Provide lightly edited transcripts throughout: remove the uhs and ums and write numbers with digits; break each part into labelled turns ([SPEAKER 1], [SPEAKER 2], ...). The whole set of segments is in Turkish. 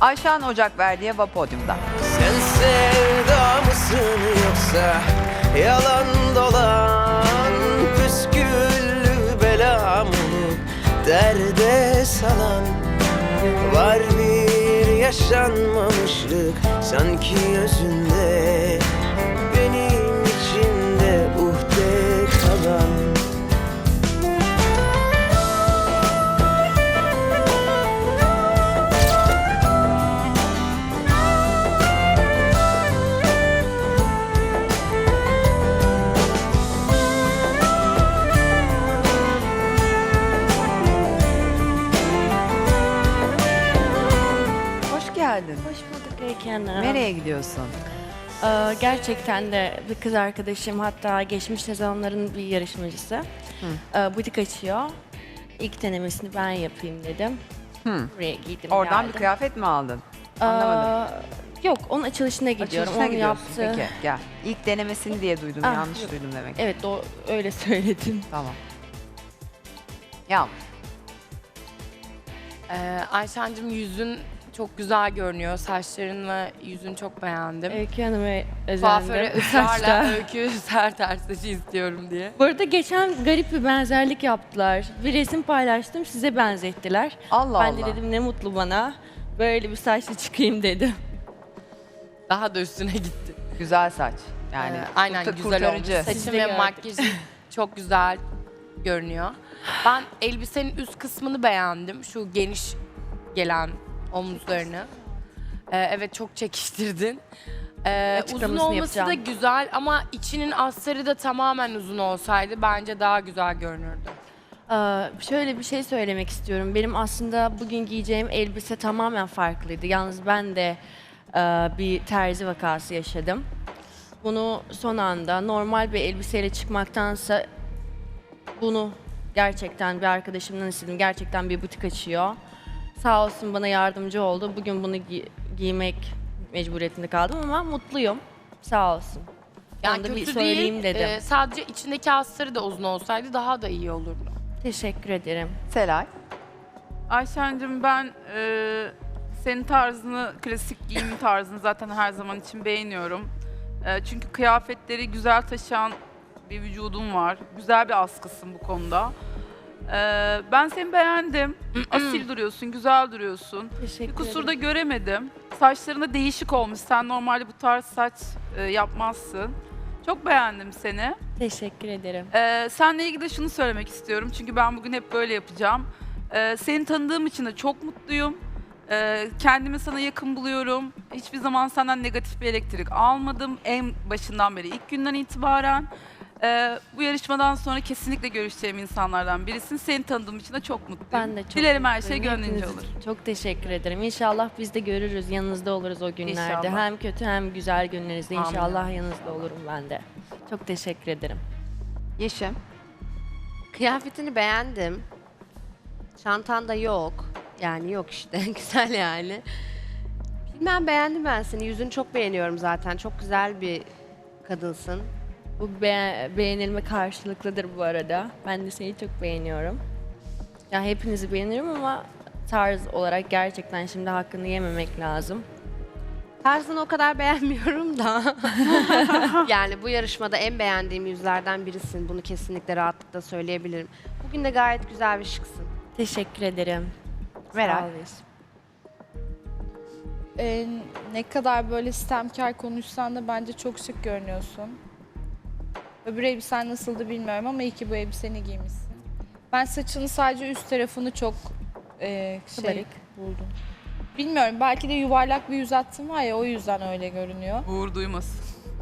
[SPEAKER 1] Ayşen Ocakverdi'ye Podyum'da.
[SPEAKER 2] Sen sevda mısın yoksa yalan dolan püsküllü bela mı derde salan? Var bir yaşanmamışlık sanki özünde, benim içimde uhde kalan.
[SPEAKER 1] Hoş geldin.
[SPEAKER 3] Hoş bulduk Öykü Hanım.
[SPEAKER 1] Nereye gidiyorsun?
[SPEAKER 3] Gerçekten de bir kız arkadaşım, hatta geçmiş sezonların bir yarışmacısı. Butik açıyor. İlk denemesini ben yapayım dedim. Buraya giydim,
[SPEAKER 1] Oradan
[SPEAKER 3] geldim.
[SPEAKER 1] bir kıyafet mi aldın? Anlamadım.
[SPEAKER 3] Yok, onun açılışına gidiyorum.
[SPEAKER 1] Açılışına
[SPEAKER 3] Onu
[SPEAKER 1] gidiyorsun.
[SPEAKER 3] yaptı.
[SPEAKER 1] Peki gel. İlk denemesini diye duydum.
[SPEAKER 3] Ah,
[SPEAKER 1] Yanlış
[SPEAKER 3] yok.
[SPEAKER 1] duydum demek.
[SPEAKER 3] Evet, öyle söyledim.
[SPEAKER 1] Tamam. Yağmur.
[SPEAKER 4] Ayşen'cim yüzün çok güzel görünüyor. Saçların ve yüzün çok beğendim.
[SPEAKER 3] Öykü Hanım'a
[SPEAKER 4] Kuaföre
[SPEAKER 3] özendim.
[SPEAKER 4] ısrarla Öykü Serter saçı istiyorum diye.
[SPEAKER 3] Bu arada geçen garip bir benzerlik yaptılar. Bir resim paylaştım, size benzettiler.
[SPEAKER 1] Allah
[SPEAKER 3] Ben
[SPEAKER 1] Allah.
[SPEAKER 3] de dedim ne mutlu bana. Böyle bir saçla çıkayım dedim.
[SPEAKER 4] Daha da üstüne gitti.
[SPEAKER 1] Güzel saç. Yani
[SPEAKER 4] Aynen güzel olmuş.
[SPEAKER 1] kurtarıcı.
[SPEAKER 3] Sizi
[SPEAKER 4] Saçın
[SPEAKER 3] de
[SPEAKER 4] ve
[SPEAKER 3] gördük.
[SPEAKER 4] makyajın çok güzel görünüyor. Ben elbisenin üst kısmını beğendim. Şu geniş gelen omuzlarını. Evet, çok çekiştirdin. Uzun
[SPEAKER 3] Açıklamasını
[SPEAKER 4] olması da
[SPEAKER 3] yapacağım.
[SPEAKER 4] güzel ama içinin astarı da tamamen uzun olsaydı bence daha güzel görünürdü.
[SPEAKER 3] Şöyle bir şey söylemek istiyorum. Benim aslında bugün giyeceğim elbise tamamen farklıydı. Yalnız ben de bir terzi vakası yaşadım. Bunu son anda normal bir elbiseyle çıkmaktansa bunu gerçekten bir arkadaşımdan istedim. Gerçekten bir butik açıyor. Sağ olsun bana yardımcı oldu. Bugün bunu giymek mecburiyetinde kaldım ama mutluyum. Sağ olsun.
[SPEAKER 4] Yani
[SPEAKER 3] Onu da bir
[SPEAKER 4] kötü
[SPEAKER 3] söyleyeyim
[SPEAKER 4] değil,
[SPEAKER 3] dedim.
[SPEAKER 4] sadece içindeki astarı da uzun olsaydı daha da iyi olurdu.
[SPEAKER 3] Teşekkür ederim.
[SPEAKER 1] Selay.
[SPEAKER 5] Ayşen'cim ben senin tarzını, klasik giyim tarzını zaten her zaman için beğeniyorum. Çünkü kıyafetleri güzel taşıyan bir vücudun var. Güzel bir askısın bu konuda. Ben seni beğendim. Asil duruyorsun, güzel duruyorsun.
[SPEAKER 3] Teşekkür
[SPEAKER 5] Bir kusur
[SPEAKER 3] ederim.
[SPEAKER 5] da göremedim. Saçlarında değişik olmuş. Sen normalde bu tarz saç yapmazsın. Çok beğendim seni.
[SPEAKER 3] Teşekkür ederim.
[SPEAKER 5] Seninle ilgili de şunu söylemek istiyorum. Çünkü ben bugün hep böyle yapacağım. Seni tanıdığım için de çok mutluyum. Kendimi sana yakın buluyorum. Hiçbir zaman senden negatif bir elektrik almadım. En başından beri, ilk günden itibaren. Bu yarışmadan sonra kesinlikle görüşeceğim insanlardan birisin. Seni tanıdığım için de çok mutluyum.
[SPEAKER 3] Ben de çok
[SPEAKER 5] Dilerim her şey
[SPEAKER 3] mutluyum.
[SPEAKER 5] gönlünce
[SPEAKER 3] Hepiniz
[SPEAKER 5] olur.
[SPEAKER 3] için çok teşekkür ederim. İnşallah biz de görürüz, yanınızda oluruz o günlerde.
[SPEAKER 5] İnşallah.
[SPEAKER 3] Hem kötü hem güzel günlerinizde
[SPEAKER 4] Amin.
[SPEAKER 3] inşallah yanınızda olurum ben de. Çok teşekkür ederim.
[SPEAKER 1] Yeşim.
[SPEAKER 6] Kıyafetini beğendim. Çantan da yok. Yani yok işte. Güzel yani. Bilmem, beğendim ben seni. Yüzünü çok beğeniyorum zaten. Çok güzel bir kadınsın.
[SPEAKER 3] Bu beğenilme karşılıklıdır bu arada. Ben de seni çok beğeniyorum. Ya hepinizi beğenirim ama tarz olarak gerçekten şimdi hakkını yememek lazım.
[SPEAKER 6] Tarzını o kadar beğenmiyorum da. Yani bu yarışmada en beğendiğim yüzlerden birisin. Bunu kesinlikle rahatlıkla söyleyebilirim. Bugün de gayet güzel ve şıksın.
[SPEAKER 3] Teşekkür ederim.
[SPEAKER 1] Meral.
[SPEAKER 3] Sağ ol Yeşim.
[SPEAKER 7] Ne kadar böyle sistemkar konuşsan da bence çok şık görünüyorsun. Öbür elbisen nasıldı bilmiyorum ama iyi ki bu elbiseni giymişsin. Ben saçının sadece üst tarafını çok
[SPEAKER 3] Kabarık.
[SPEAKER 7] buldum. Bilmiyorum, belki de yuvarlak bir yüz hattın var ya, o yüzden öyle görünüyor.
[SPEAKER 5] Uğur duymasın.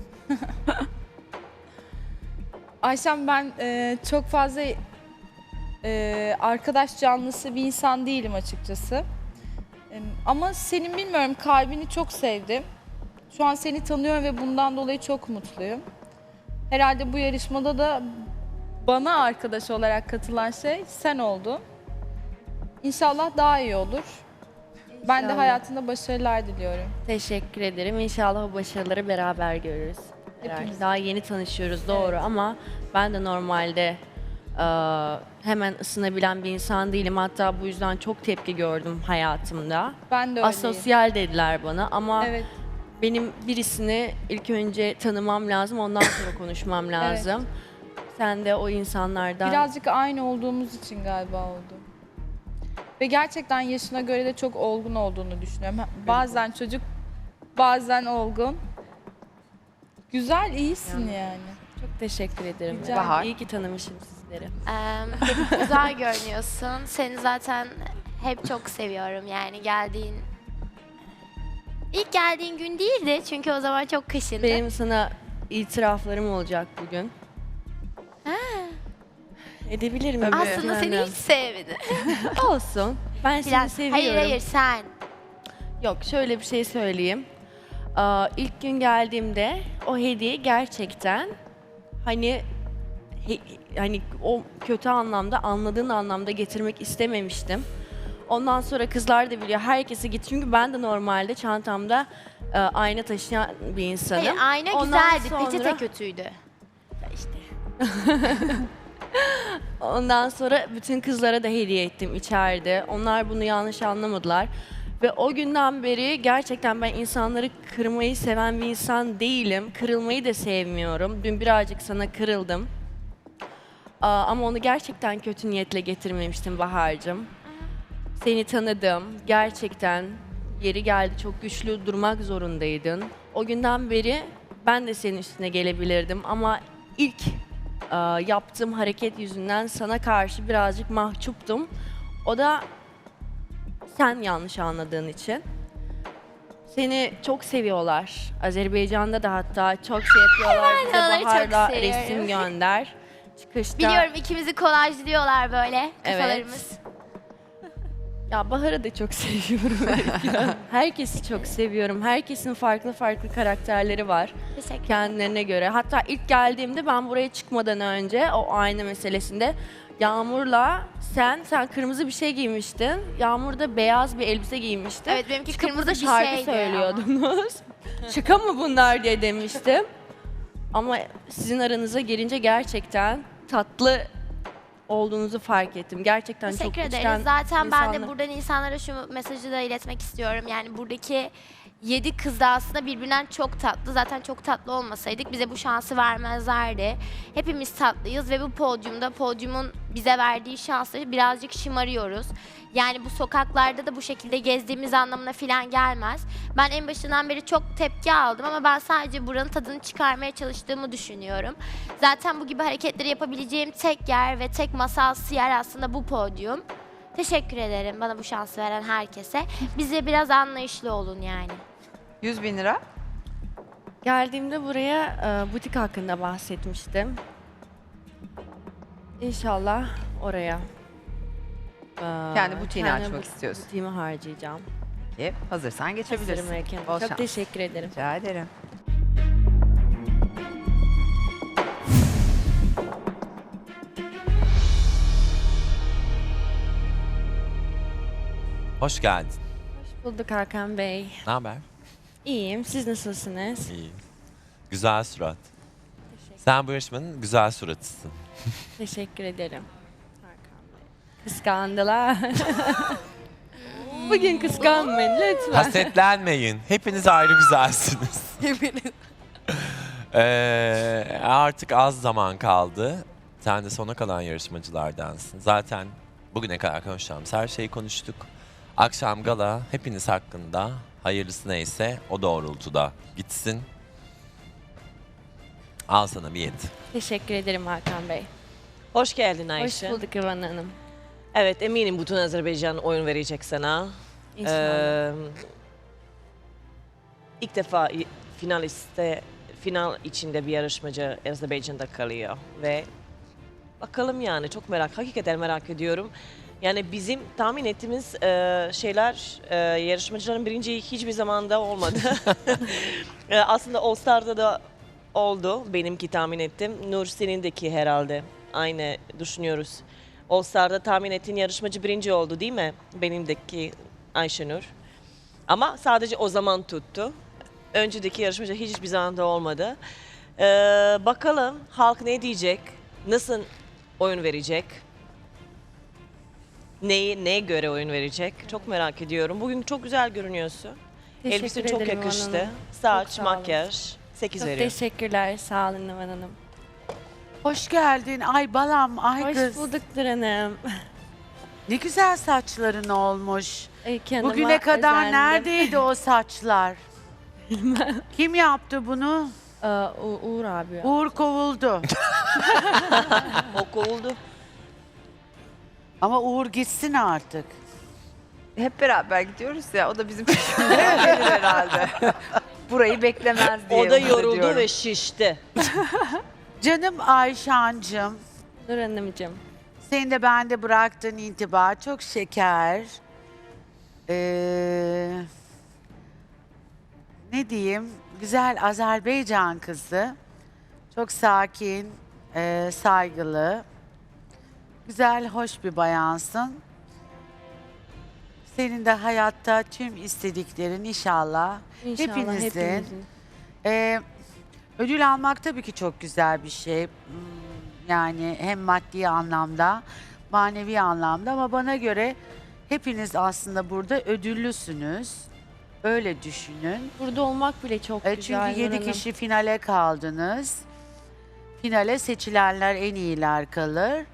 [SPEAKER 7] Ayşem, ben çok fazla arkadaş canlısı bir insan değilim açıkçası. Ama senin bilmiyorum kalbini çok sevdim. Şu an seni tanıyorum ve bundan dolayı çok mutluyum. Herhalde bu yarışmada da bana arkadaş olarak katılan şey sen oldun. İnşallah daha iyi olur. Ben de
[SPEAKER 3] İnşallah.
[SPEAKER 7] hayatında başarılar diliyorum.
[SPEAKER 3] Teşekkür ederim. İnşallah o başarıları beraber görürüz.
[SPEAKER 7] Hepimiz.
[SPEAKER 3] Daha yeni tanışıyoruz doğru ama ben de normalde hemen ısınabilen bir insan değilim. Hatta bu yüzden çok tepki gördüm hayatımda.
[SPEAKER 7] Ben de öyleyim.
[SPEAKER 3] Asosyal dediler bana ama
[SPEAKER 7] Evet.
[SPEAKER 3] benim birisini ilk önce tanımam lazım, ondan sonra konuşmam lazım. Sen de o insanlardan...
[SPEAKER 7] Birazcık aynı olduğumuz için galiba oldu. Ve gerçekten yaşına göre de çok olgun olduğunu düşünüyorum. Bazen çocuk, bazen olgun. Güzel, iyisin yani.
[SPEAKER 3] Çok teşekkür ederim.
[SPEAKER 7] Rica
[SPEAKER 1] Bahar.
[SPEAKER 3] İyi ki tanımışım sizleri.
[SPEAKER 8] Güzel görünüyorsun. Seni zaten hep çok seviyorum. Yani ilk geldiğin gün değildi çünkü o zaman çok kışındı.
[SPEAKER 3] Benim sana itiraflarım olacak bugün. Edebilir miyim?
[SPEAKER 8] Aslında seni hiç sevmedim.
[SPEAKER 3] Olsun. Ben seni
[SPEAKER 8] Biraz.
[SPEAKER 3] seviyorum.
[SPEAKER 8] Hayır sen.
[SPEAKER 3] Yok, şöyle bir şey söyleyeyim. İlk gün geldiğimde o hediye gerçekten hani o kötü anlamda, anladığın anlamda getirmek istememiştim. Ondan sonra kızlar da biliyor, herkese git. Çünkü ben de normalde çantamda ayna taşıyan bir insanım.
[SPEAKER 8] Hayır ayna
[SPEAKER 3] Ondan
[SPEAKER 8] güzeldi.
[SPEAKER 3] sonra-
[SPEAKER 8] Peçete kötüydü.
[SPEAKER 3] Ondan sonra bütün kızlara da hediye ettim içeride. Onlar bunu yanlış anlamadılar. Ve o günden beri gerçekten ben insanları kırmayı seven bir insan değilim. Kırılmayı da sevmiyorum. Dün birazcık sana kırıldım. Ama onu gerçekten kötü niyetle getirmemiştim Bahar'cığım. Seni tanıdım. Gerçekten yeri geldi çok güçlü durmak zorundaydın. O günden beri ben de senin üstüne gelebilirdim ama ilk yaptığım hareket yüzünden sana karşı birazcık mahcuptum. O da sen yanlış anladığın için. Seni çok seviyorlar. Azerbaycan'da da hatta çok şey yapıyorlar. Bize
[SPEAKER 8] onları çok
[SPEAKER 3] Bahar'la
[SPEAKER 8] seviyorum.
[SPEAKER 3] resim gönder. Çıkışta.
[SPEAKER 8] Biliyorum ikimizi kolajlıyorlar böyle kafalarımız.
[SPEAKER 3] Ya Bahar'ı da çok seviyorum. Herkesi çok seviyorum. Herkesin farklı farklı karakterleri var
[SPEAKER 8] Teşekkür.
[SPEAKER 3] kendilerine göre. Hatta ilk geldiğimde ben buraya çıkmadan önce o ayna meselesinde Yağmur'la sen kırmızı bir şey giymiştin. Yağmur da beyaz bir elbise giymişti.
[SPEAKER 8] Evet benimki
[SPEAKER 3] Çıkıp
[SPEAKER 8] kırmızı
[SPEAKER 3] burada
[SPEAKER 8] bir
[SPEAKER 3] şarkı
[SPEAKER 8] şeydi ama.
[SPEAKER 3] söylüyordunuz. Şaka mı bunlar diye demiştim. Ama sizin aranıza girince gerçekten tatlı olduğunuzu fark ettim. Gerçekten çok
[SPEAKER 8] Teşekkür
[SPEAKER 3] içten
[SPEAKER 8] ederiz. Zaten ben de
[SPEAKER 3] insanlar-
[SPEAKER 8] buradan insanlara şu mesajı da iletmek istiyorum. Yani buradaki 7 kız da aslında birbirinden çok tatlı. Zaten çok tatlı olmasaydık bize bu şansı vermezlerdi. Hepimiz tatlıyız ve bu podyumun bize verdiği şansla birazcık şımarıyoruz. Yani bu sokaklarda da bu şekilde gezdiğimiz anlamına falan gelmez. Ben en başından beri çok tepki aldım ama ben sadece buranın tadını çıkarmaya çalıştığımı düşünüyorum. Zaten bu gibi hareketleri yapabileceğim tek yer ve tek masalsı yer aslında bu podyum. Teşekkür ederim bana bu şansı veren herkese. Bize biraz anlayışlı olun yani.
[SPEAKER 1] 100.000 lira.
[SPEAKER 3] Geldiğimde buraya butik hakkında bahsetmiştim. İnşallah oraya.
[SPEAKER 1] Kendi butiğini
[SPEAKER 3] kendi
[SPEAKER 1] açmak istiyorsun.
[SPEAKER 3] Butiğimi harcayacağım.
[SPEAKER 1] Peki, hazırsan geçebilirsin.
[SPEAKER 3] Hazırım Erken.
[SPEAKER 1] Bol
[SPEAKER 3] Çok
[SPEAKER 1] şans.
[SPEAKER 3] teşekkür ederim.
[SPEAKER 1] Rica ederim.
[SPEAKER 9] Hoş geldin.
[SPEAKER 3] Hoş bulduk Hakan Bey.
[SPEAKER 9] Ne haber?
[SPEAKER 3] İyiyim. Siz nasılsınız?
[SPEAKER 9] İyi. Güzel surat. Sen bu yarışmanın güzel suratısın.
[SPEAKER 3] Teşekkür ederim. Hakan Bey. Kıskandılar. Bugün kıskanmayın lütfen.
[SPEAKER 9] Hasetlenmeyin. Hepiniz ayrı güzelsiniz. Artık az zaman kaldı. Sen de sona kalan yarışmacılardansın. Zaten bugüne kadar konuşacağımız her şeyi konuştuk. Akşam gala hepiniz hakkında hayırlısı neyse o doğrultuda gitsin. Al sana bir 7.
[SPEAKER 3] Teşekkür ederim Hakan Bey.
[SPEAKER 10] Hoş geldin Ayşe.
[SPEAKER 3] Hoş bulduk İvan Hanım.
[SPEAKER 10] Evet eminim bütün Azerbaycan oyun verecek sana.
[SPEAKER 3] İnşallah.
[SPEAKER 10] İlk defa final içinde bir yarışmacı Azerbaycan'da kalıyor ve bakalım yani çok hakikaten merak ediyorum. Yani bizim tahmin ettiğimiz şeyler yarışmacıların birinci hiçbir zamanda olmadı. Aslında All Star'da da oldu benimki tahmin ettim. Nur senindeki herhalde aynı düşünüyoruz. All Star'da tahmin ettiğin yarışmacı birinci oldu değil mi? Benimdeki Ayşenur. Ama sadece o zaman tuttu. Önceki yarışmacı hiçbir zaman da olmadı. Bakalım halk ne diyecek? Nasıl oyun verecek? Neye göre oyun verecek? Çok merak ediyorum. Bugün çok güzel görünüyorsun.
[SPEAKER 3] Teşekkür
[SPEAKER 10] Elbisen çok
[SPEAKER 3] ederim
[SPEAKER 10] yakıştı.
[SPEAKER 3] Hanım.
[SPEAKER 10] Saç,
[SPEAKER 3] Çok sağ olun.
[SPEAKER 10] makyaj. 8
[SPEAKER 3] Çok
[SPEAKER 10] veriyorum.
[SPEAKER 3] teşekkürler. Sağ olun Numan Hanım.
[SPEAKER 11] Hoş geldin. Ay balam, ay
[SPEAKER 3] Hoş
[SPEAKER 11] kız.
[SPEAKER 3] bulduk Nur Hanım.
[SPEAKER 11] Ne güzel saçların olmuş.
[SPEAKER 3] Öykü Hanım'a
[SPEAKER 11] Bugüne kadar
[SPEAKER 3] özendim.
[SPEAKER 11] neredeydi o saçlar? Kim yaptı bunu?
[SPEAKER 3] Uğur abi.
[SPEAKER 11] Uğur kovuldu.
[SPEAKER 10] O kovuldu.
[SPEAKER 11] Ama Uğur gitsin artık.
[SPEAKER 1] Hep beraber gidiyoruz ya. O da bizim peşimizden gelir herhalde. Burayı beklemez diye
[SPEAKER 10] O da
[SPEAKER 1] umut
[SPEAKER 10] yoruldu
[SPEAKER 1] ediyorum.
[SPEAKER 10] ve şişti.
[SPEAKER 11] Canım Ayşancığım,
[SPEAKER 3] Nur Hanımcığım.
[SPEAKER 11] senin de bende bıraktığın intiba çok şeker. Ne diyeyim? Güzel Azerbaycan kızı. Çok sakin, saygılı. Güzel, hoş bir bayansın. Senin de hayatta tüm istediklerin inşallah.
[SPEAKER 3] İnşallah
[SPEAKER 11] Hepinizin. Ödül almak tabii ki çok güzel bir şey. Yani hem maddi anlamda, manevi anlamda ama bana göre hepiniz aslında burada ödüllüsünüz. Öyle düşünün.
[SPEAKER 3] Burada olmak bile çok güzel.
[SPEAKER 11] Çünkü
[SPEAKER 3] Nur
[SPEAKER 11] 7
[SPEAKER 3] Hanım.
[SPEAKER 11] kişi finale kaldınız. Finale seçilenler en iyiler kalır.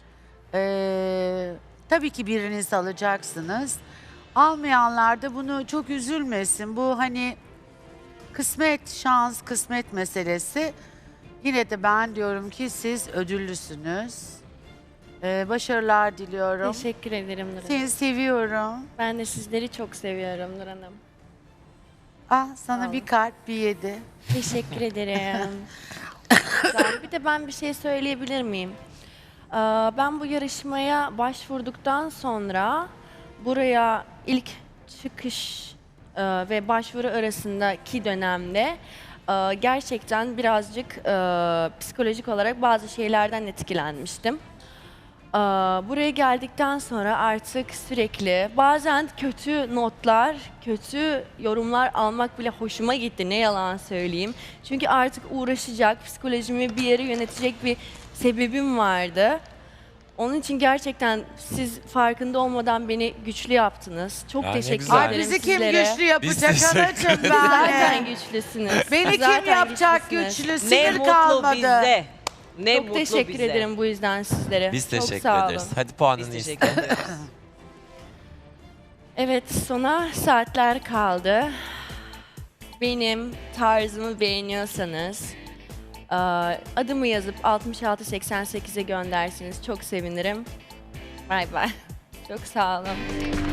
[SPEAKER 11] Tabii ki biriniz alacaksınız. Almayanlar da bunu çok üzülmesin. Bu hani kısmet, şans, kısmet meselesi. Yine de ben diyorum ki siz ödüllüsünüz. Başarılar diliyorum.
[SPEAKER 3] Teşekkür ederim Nur Hanım.
[SPEAKER 11] Seni seviyorum.
[SPEAKER 3] Ben de sizleri çok seviyorum Nur Hanım.
[SPEAKER 11] Ah
[SPEAKER 3] Sağ
[SPEAKER 11] sana
[SPEAKER 3] olun.
[SPEAKER 11] bir kalp, bir 7.
[SPEAKER 3] Teşekkür ederim. Güzel. Bir de ben bir şey söyleyebilir miyim? Ben bu yarışmaya başvurduktan sonra buraya ilk çıkış ve başvuru arasındaki dönemde gerçekten birazcık psikolojik olarak bazı şeylerden etkilenmiştim. Buraya geldikten sonra artık sürekli bazen kötü notlar, kötü yorumlar almak bile hoşuma gitti. Ne yalan söyleyeyim. Çünkü artık uğraşacak, psikolojimi bir yere yönetecek bir sebebim vardı. Onun için gerçekten siz farkında olmadan beni güçlü yaptınız. Çok
[SPEAKER 9] Ya ne
[SPEAKER 3] teşekkür
[SPEAKER 9] güzel.
[SPEAKER 3] ederim
[SPEAKER 11] Ay bizi kim
[SPEAKER 3] sizlere.
[SPEAKER 11] güçlü yapacak
[SPEAKER 9] teşekkür
[SPEAKER 11] anacığım
[SPEAKER 9] ederiz.
[SPEAKER 3] Zaten
[SPEAKER 11] ben.
[SPEAKER 3] güçlüsünüz.
[SPEAKER 11] Beni kim
[SPEAKER 3] Zaten
[SPEAKER 11] yapacak
[SPEAKER 3] güçlüsünüz.
[SPEAKER 11] güçlü?
[SPEAKER 10] Ne
[SPEAKER 11] Sinir
[SPEAKER 10] mutlu
[SPEAKER 11] kalmadı.
[SPEAKER 10] bize. Ne
[SPEAKER 3] Çok
[SPEAKER 10] mutlu
[SPEAKER 3] teşekkür
[SPEAKER 10] bize.
[SPEAKER 3] ederim bu yüzden sizlere.
[SPEAKER 9] Biz
[SPEAKER 3] Çok
[SPEAKER 9] teşekkür
[SPEAKER 3] sağ olun.
[SPEAKER 9] ederiz. Hadi puanını
[SPEAKER 10] Biz
[SPEAKER 9] iste.
[SPEAKER 10] teşekkür ederiz.
[SPEAKER 3] Evet, sona saatler kaldı. Benim tarzımı beğeniyorsanız adımı yazıp 6688'e gönderseniz çok sevinirim. Bay bay. Çok sağ olun.